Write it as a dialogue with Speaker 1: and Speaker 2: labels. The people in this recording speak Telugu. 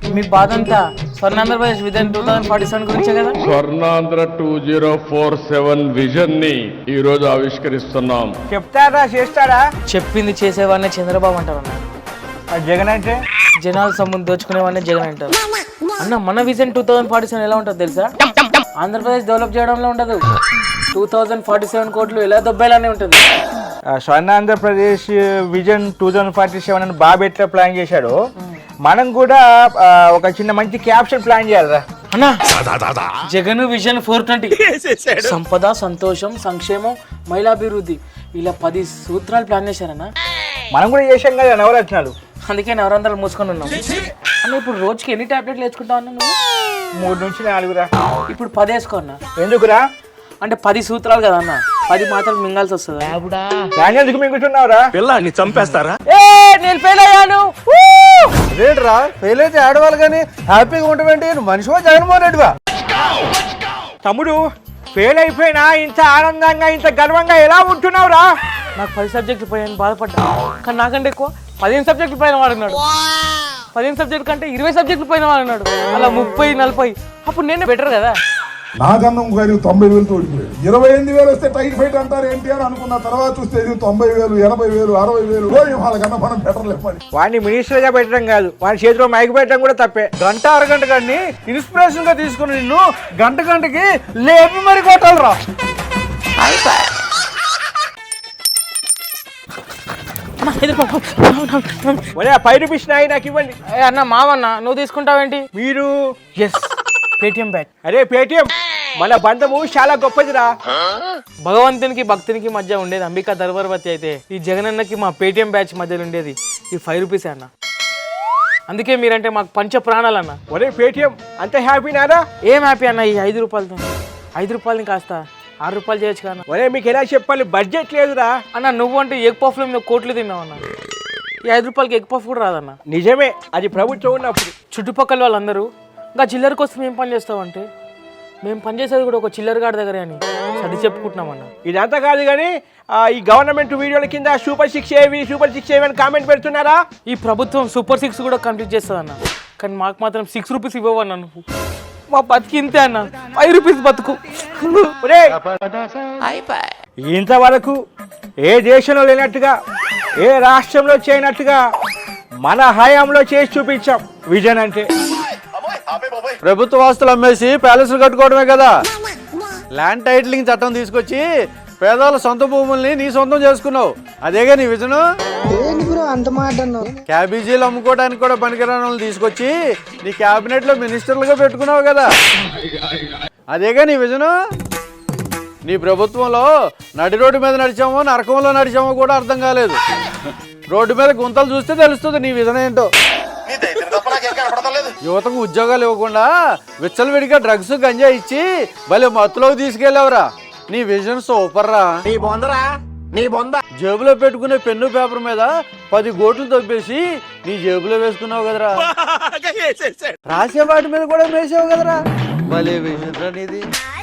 Speaker 1: మీ బాధ అంతా స్వర్ణాంధ్రప్రదేశ్ విజన్ 2047 గురించే కదా.
Speaker 2: స్వర్ణాంధ్ర 2047 విజన్ ని ఈ రోజు ఆవిష్కరిస్తున్నాం.
Speaker 3: చెప్తారా చేస్తారా?
Speaker 1: చెప్పింది చేసేవాడినే చంద్రబాబు అంటారు అన్న.
Speaker 3: జగన్ అంటే
Speaker 1: జనాల సొమ్మును దోచుకునేవాడినే జగన్ అంటారు అన్న. మన విజన్ 2047 ఎలా ఉంటుంది తెలుసా? ఆంధ్రప్రదేశ్ డెవలప్ చేయడంలో ఉండదు, 2047 కోట్లు ఎలా దొబ్బేలానే ఉంటుంది.
Speaker 3: స్వర్ణాంధ్రప్రదేశ్ విజన్ 2047 అని బాబు ఎట్లా ప్లాన్ చేశాడు, మనం కూడా ఒక చిన్న మంచి క్యాప్షన్ ప్లాన్ చేయాలరా
Speaker 1: అన్నా. జగన్ విజన్ 420 సంపద, సంతోషం, సంక్షేమం, మహిళాభివృద్ధి ఇలా 10 సూత్రాలు ప్లాన్ చేశారన్నా.
Speaker 3: మనం కూడా చేసాం కదా నవరత్నాలు,
Speaker 1: అందుకే నవరంధ్రాలు మూసుకొని ఉన్నాం అన్న. ఇప్పుడు రోజుకి ఎన్ని టాబ్లెట్లు వేసుకుంటావు అన్న నువ్వు?
Speaker 3: 3 నుంచి 4రా.
Speaker 1: ఇప్పుడు 10 వేసుకో అన్న.
Speaker 3: ఎందుకురా?
Speaker 1: అంటే 10 సూత్రాలు కదా అన్న, 10 మాత్రం మింగాల్సి వస్తుంది.
Speaker 3: ఎందుకు మింగుతున్నావురా?
Speaker 4: పిల్లాన్ని చంపేస్తారా?
Speaker 1: నేను ఫెయిల్ అయ్యాను.
Speaker 5: రేట్రా ఫెయిల్ అయితే ఆడవాళ్ళు కానీ హ్యాపీగా ఉంటామంటే మనిషివా జగన్మోహన్ రెడ్డివా?
Speaker 3: తమ్ముడు ఫెయిల్ అయిపోయినా ఇంత ఆనందంగా ఇంత గర్వంగా ఎలా ఉంటున్నావురా?
Speaker 1: నాకు 10 సబ్జెక్టులు పోయాను బాధపడ్డా, కానీ నాకంటే ఎక్కువ 15 సబ్జెక్టులు పోయిన వాడు ఉన్నాడు. 15 సబ్జెక్టు కంటే 20 సబ్జెక్టులు పోయిన వాడు ఉన్నాడు. అలా 30, 40. అప్పుడు నేను బెటర్ కదా.
Speaker 6: నాకన్నం గారి 90,000 ఓడిపోయాడు. 28,000 వస్తే టైట్ ఫైట్ అంటారు ఏంటి అని అనుకున్న తర్వాత చూస్తే 90,000, 80,000, 60,000 వాళ్ళకన్నా మనం బెటర్ లేపండి.
Speaker 3: వాడిని మినిస్టర్ గా పెట్టడం కాదు, వాడి చేతిలో మైక్ పెట్టడం కూడా తప్పే.
Speaker 5: గంట అరగంట కానీ ఇన్స్పిరేషన్ గా తీసుకుని నిన్ను గంటకి లేపి మరి కొట్టాలరా.
Speaker 3: ₹5 నాయి నాకు ఇవ్వండి.
Speaker 1: అన్న మావన్న నువ్వు తీసుకుంటావేంటి?
Speaker 3: మీరు
Speaker 1: ఎస్ పేటిఎం బ్యాచ్.
Speaker 3: అరే పేటిఎం మన బంధము చాలా గొప్పదిరా.
Speaker 1: భగవంతునికి భక్తునికి మధ్య ఉండేది అంబికా దర్వర్వతి అయితే ఈ జగనన్నకి మా పేటిఎం బ్యాచ్ మధ్యలో ఉండేది ఈ ₹5 అన్న. అందుకే మీరంటే మాకు పంచ ప్రాణాలు అన్న.
Speaker 3: ఒరే పేటిఎం అంత హ్యాపీనారా?
Speaker 1: ఏం హ్యాపీ అన్న ఈ ₹5తో? ₹5 కాస్త ₹6 చేయొచ్చు కదా.
Speaker 3: ఒరే మీకు ఎలా చెప్పాలి, బడ్జెట్ లేదురా
Speaker 1: అన్న. నువ్వు అంటే ఎగ్ పఫ్లో మీద కోట్లు తిన్నావు అన్న. ఈ ₹5 ఎగ్ పఫ్ కూడా రాదన్న.
Speaker 3: నిజమే, అది ప్రభుత్వం ఉన్నప్పుడు.
Speaker 1: చుట్టుపక్కల వాళ్ళందరూ ఇంకా చిల్లర కోసం ఏం పని చేస్తావంటే మేము పనిచేసేది కూడా ఒక చిల్లర గాడి దగ్గరే అని అది చెప్పుకుంటున్నామన్న.
Speaker 3: ఇదంతా కాదు కానీ ఈ గవర్నమెంట్ వీడియోల కింద సూపర్ 6 ఏవి అని కామెంట్ పెడుతున్నారా?
Speaker 1: ఈ ప్రభుత్వం సూపర్ 6 కూడా కంప్లీట్ చేస్తుంది అన్న, కానీ మాకు మాత్రం ₹6 ఇవ్వవన్న. నువ్వు మా బతికి ఇంతే అన్న, ₹5 బతుకు.
Speaker 3: ఇంతవరకు ఏ దేశంలో లేనట్టుగా, ఏ రాష్ట్రంలో చేయనట్టుగా మన హయాంలో చేసి చూపించాం విజన్ అంటే.
Speaker 5: ప్రభుత్వ ఆస్తులు అమ్మేసి ప్యాలెస్లు కట్టుకోవడమే కదా. ల్యాండ్ టైటిలింగ్ చట్టం తీసుకొచ్చి పేదవాళ్ళ సొంత భూముల్ని నీ సొంతం చేసుకున్నావు. అదేగా నీ విజను. క్యాబేజీలు అమ్ముకోవడానికి కూడా పనికిరాని వాళ్ళని తీసుకొచ్చి నీ క్యాబినెట్ లో మినిస్టర్లుగా పెట్టుకున్నావు కదా. అదేగా నీ విజను. నీ ప్రభుత్వంలో నడి రోడ్డు మీద నడిచామో నరకంలో నడిచామో కూడా అర్థం కాలేదు. రోడ్డు మీద గుంతలు చూస్తే తెలుస్తుంది నీ విజన్ ఏంటో. యువతకు ఉద్యోగాలు ఇవ్వకుండా విచ్చలవిడిగా డ్రగ్స్ గంజా ఇచ్చి భలే మత్తులోకి తీసుకెళ్ళావురా. నీ విజన్ సూపర్ రా. జేబులో పెట్టుకునే పెన్ను పేపర్ మీద 10 గోట్లు తొప్పేసి నీ జేబులో వేసుకున్నావు కదరా. రాసే వాటి మీద కూడా వేసావు కదరా. భలే విజన్ రా నీది.